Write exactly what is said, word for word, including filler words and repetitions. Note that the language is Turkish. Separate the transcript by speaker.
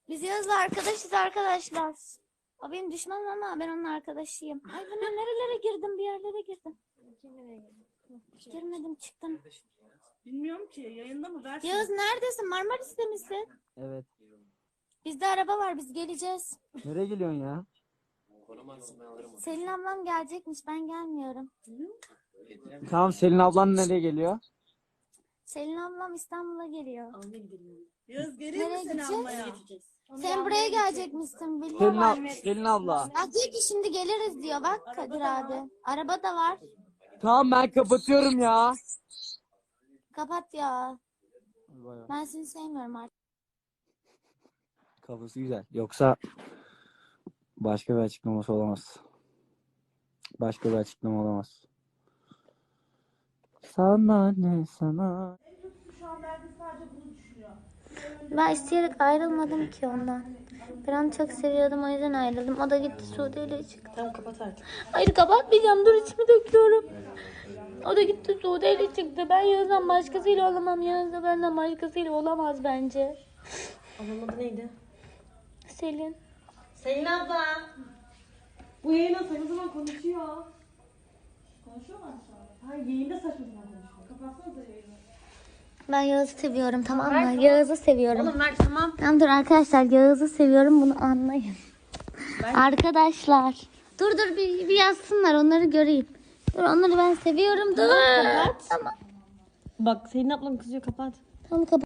Speaker 1: Biz Yağız'la arkadaşız arkadaşlar. O benim düşmanım ama ben onun arkadaşıyım. Ay ben nerelere girdim, bir yerlere girdim. Girmedim, çıktım.
Speaker 2: Bilmiyorum ki yayında mı versin?
Speaker 1: Yağız neredesin? Marmaris'te misin?
Speaker 3: Evet.
Speaker 1: Bizde araba var, biz geleceğiz.
Speaker 3: Nereye geliyorsun ya?
Speaker 1: Selin ablam gelecekmiş, ben gelmiyorum.
Speaker 3: Tamam, Selin ablan nereye geliyor?
Speaker 1: Selin ablam İstanbul'a geliyor.
Speaker 2: Yağız geliyor mu
Speaker 1: Nereye
Speaker 2: seni
Speaker 1: gideceğiz?
Speaker 2: almaya?
Speaker 1: Sen buraya gelecekmişsin
Speaker 3: Selin,
Speaker 1: biliyorum.
Speaker 3: ab Selin abla.
Speaker 1: Bak diyor ki şimdi geliriz diyor, bak Kadir abi. Araba da var.
Speaker 3: Tamam, ben kapatıyorum ya.
Speaker 1: Kapat ya. Ben seni sevmiyorum artık.
Speaker 3: Kafası güzel. Yoksa başka bir açıklaması olamaz. Başka bir açıklama olamaz. Sana ne sana?
Speaker 2: Şu an belki sadece bunu düşünüyor.
Speaker 1: Ben isteyerek ayrılmadım ki ondan. Ben onu çok seviyordum, o yüzden ayrıldım. O da gitti Suudi ile çıktı.
Speaker 2: Tamam kapat artık.
Speaker 1: Hayır kapatmayacağım, dur içimi döküyorum. O da gitti Suudi ile çıktı. Ben Yağız'dan başkasıyla olamam. Yağız da benden başkasıyla olamaz bence.
Speaker 2: Ablamın adı neydi?
Speaker 1: Selin.
Speaker 2: Selin abla. Bu yayına saçma zaman konuşuyor. Konuşuyorlar mı şu an? Hayır yayında saçma zaman konuşuyor. Kapatsanıza yayını.
Speaker 1: Ben Yağız'ı seviyorum, tamam mı? Yağız'ı seviyorum.
Speaker 2: Oğlum ver tamam.
Speaker 1: Tamam dur arkadaşlar, Yağız'ı seviyorum, bunu anlayın. Arkadaşlar. Dur dur bir, bir yazsınlar, onları göreyim. Dur onları ben seviyorum. Dur. Tamam.
Speaker 2: Bak Selin ablam kızıyor kapat.
Speaker 1: Tamam kapat.